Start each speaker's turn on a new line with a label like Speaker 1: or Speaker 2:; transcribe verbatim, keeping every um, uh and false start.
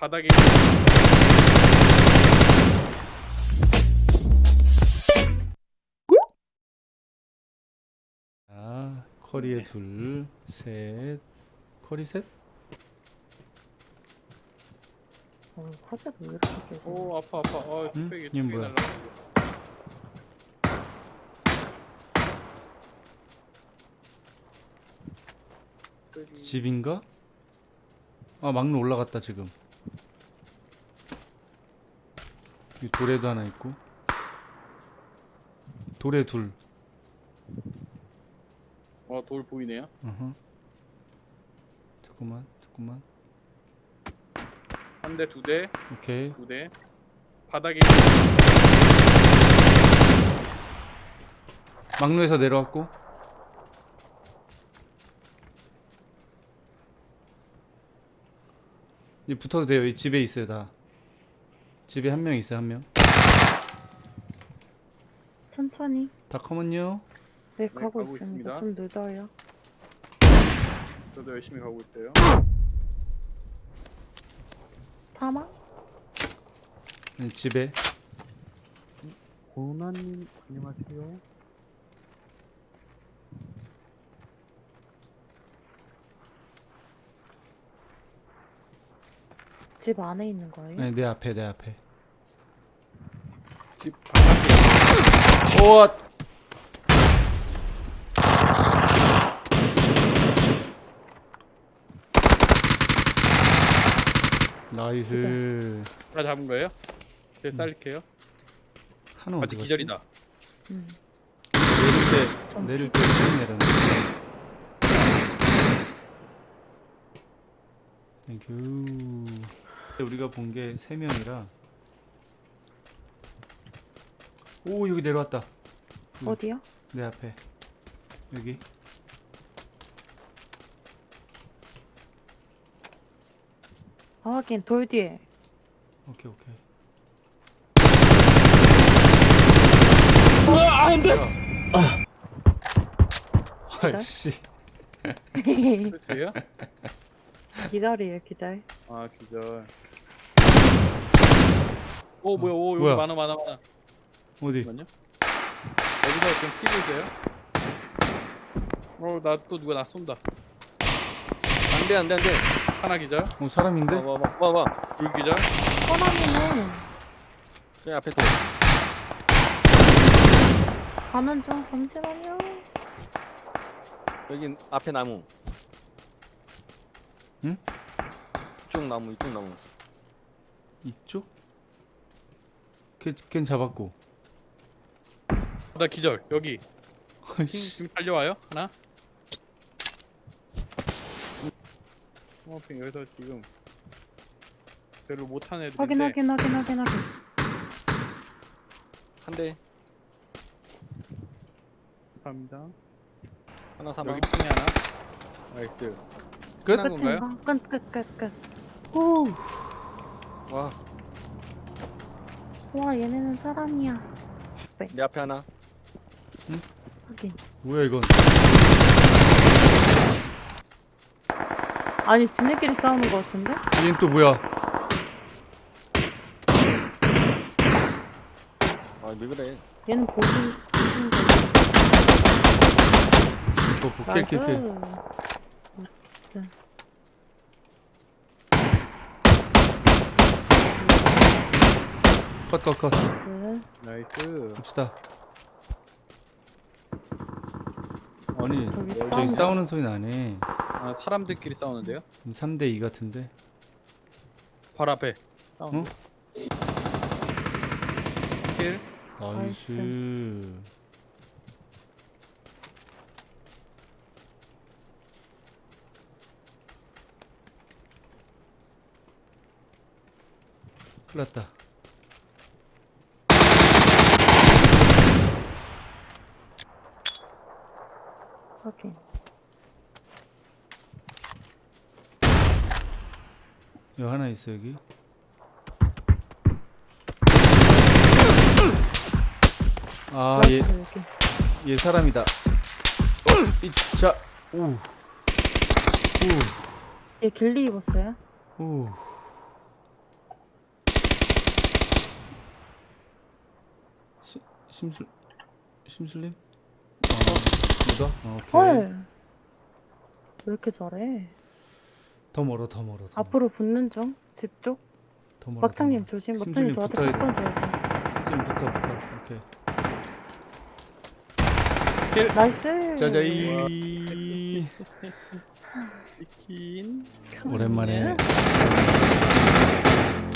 Speaker 1: 바닥에
Speaker 2: 아, 커리에
Speaker 1: 네.
Speaker 2: 둘, 셋, 커리 셋?
Speaker 3: 어, 화제가 왜 이렇게 깨져?
Speaker 1: 오 아파 아파. 어
Speaker 2: 응?
Speaker 1: 뚝배기
Speaker 2: 이게
Speaker 1: 뚝배기
Speaker 2: 뭐야?
Speaker 1: 날라.
Speaker 2: 집인가? 아, 막루 올라갔다 지금. 이 돌에도 하나 있고. 돌에 둘.
Speaker 1: 어돌 보이네요.
Speaker 2: 어허. 잠깐만, 잠깐만.
Speaker 1: 한 대, 두 대,
Speaker 2: 오케이.
Speaker 1: 두 대. 바닥에
Speaker 2: 막루에서 내려왔고. 이 붙어도 돼요. 이 집에 있어요 다. 집에 한 명 있어요 한 명.
Speaker 3: 천천히.
Speaker 2: 다 커먼요.
Speaker 3: 네,
Speaker 1: 네,
Speaker 3: 가고
Speaker 1: 가고
Speaker 3: 있습니다.
Speaker 1: 있습니다.
Speaker 3: 좀 늦어요.
Speaker 1: 저도 열심히 가고 있어요.
Speaker 3: 타마?
Speaker 2: 네, 집에.
Speaker 4: 고난님 안녕하세요.
Speaker 3: 집 안에 있는 거예요?
Speaker 2: 네, 내 앞에 내 앞에.
Speaker 1: 집 바닥에
Speaker 2: 오. 나이스.
Speaker 1: 하나 잡은 거예요? 제 쌀릴게요.
Speaker 2: 하나
Speaker 1: 아직
Speaker 2: 어디 갔지?
Speaker 1: 기절이다.
Speaker 3: 응.
Speaker 2: 내릴
Speaker 3: 좀
Speaker 2: 때 내릴 때 쭉 내렸네. 땡큐. 우리가 본 게 세 명이라. 오, 여기 내려왔다.
Speaker 3: 어디요?
Speaker 2: 내 앞에. 여기.
Speaker 3: 아, 하긴 돌 뒤에.
Speaker 2: 오케이 오케이. 아이씨.
Speaker 1: 끝이에요?
Speaker 3: 기다려요, 기다려.
Speaker 1: 아 기절. 오 뭐야? 오 여기
Speaker 2: 뭐야?
Speaker 1: 많아 많아 많아.
Speaker 2: 어디?
Speaker 1: 잠깐만요. 어디서 지금 뛰고 있어요? 어나 또 누가 나 쏜다.
Speaker 4: 안돼 안돼 안돼.
Speaker 1: 하나 기절.
Speaker 2: 어, 사람인데?
Speaker 4: 와와와와.
Speaker 1: 둘 기절.
Speaker 3: 호남이는
Speaker 4: 저기 앞에 또.
Speaker 3: 가는 중. 잠시만요.
Speaker 4: 여기 앞에 나무.
Speaker 2: 응?
Speaker 4: 이쪽 나무 이쪽 나무.
Speaker 2: 이쪽? 걔, 걘 잡았고.
Speaker 1: 나 기절. 여기. 지금,
Speaker 2: 아이씨.
Speaker 1: 지금 달려와요? 하나. 어, 여기서 지금 별로 못하는 애들인데.
Speaker 3: 확인, 확인, 확인, 확인, 확인.
Speaker 4: 한 대.
Speaker 1: 감사합니다.
Speaker 4: 하나 사망.
Speaker 1: 여기 핑이 하나. 나이스.
Speaker 2: 끝?
Speaker 1: 끝난 건가요?
Speaker 3: 끝인가? 끝, 끝, 끝, 끝.
Speaker 2: 후.
Speaker 4: 와.
Speaker 3: 와, 얘네는 사람이야.
Speaker 4: 내 앞에 하나.
Speaker 3: 확인.
Speaker 2: 뭐야 이건?
Speaker 3: 아니, 지네끼리 싸우는 거 같은데?
Speaker 2: 얘는 또 뭐야?
Speaker 4: 아왜 그래?
Speaker 3: 얘는 보신, 보신 거.
Speaker 2: 어, 킬, 킬, 킬.
Speaker 3: 나이스.
Speaker 2: 컷, 컷, 컷.
Speaker 3: 나이스.
Speaker 1: 나이스.
Speaker 2: 갑시다. 아니,
Speaker 3: 저기
Speaker 2: 저기
Speaker 3: 싸운다.
Speaker 2: 싸우는 소리 나네.
Speaker 1: 아 사람들끼리 싸우는데요?
Speaker 2: 삼 대 이 같은데?
Speaker 1: 바로 앞에.
Speaker 2: 어?
Speaker 1: 싸우는 거. 킬.
Speaker 2: 나이스. 큰일 났다.
Speaker 3: 확인.
Speaker 2: 여기 하나 있어, 여기. 아, 얘,
Speaker 3: 여기, 여기.
Speaker 2: 얘 사람이다. 이, 자, 오. 오.
Speaker 3: 얘 길리 입었어요?
Speaker 2: 오. 심술 심술님? 어, 묻어? 어, 오케이.
Speaker 3: 헐. 왜 이렇게 잘해?
Speaker 2: 더 멀어, 더 멀어. 더 멀어.
Speaker 3: 앞으로 붙는 중. 집 쪽.
Speaker 2: 더 멀어.
Speaker 3: 막장님
Speaker 2: 더
Speaker 3: 조심.
Speaker 2: 심술님
Speaker 3: 막장님 저한테
Speaker 2: 붙어야 돼.
Speaker 3: 붙어줘야
Speaker 2: 멀어. 좀 붙어, 붙어. 오케이.
Speaker 3: 돼. 나이스.
Speaker 2: 짜자이.
Speaker 1: 치킨.
Speaker 2: 오랜만에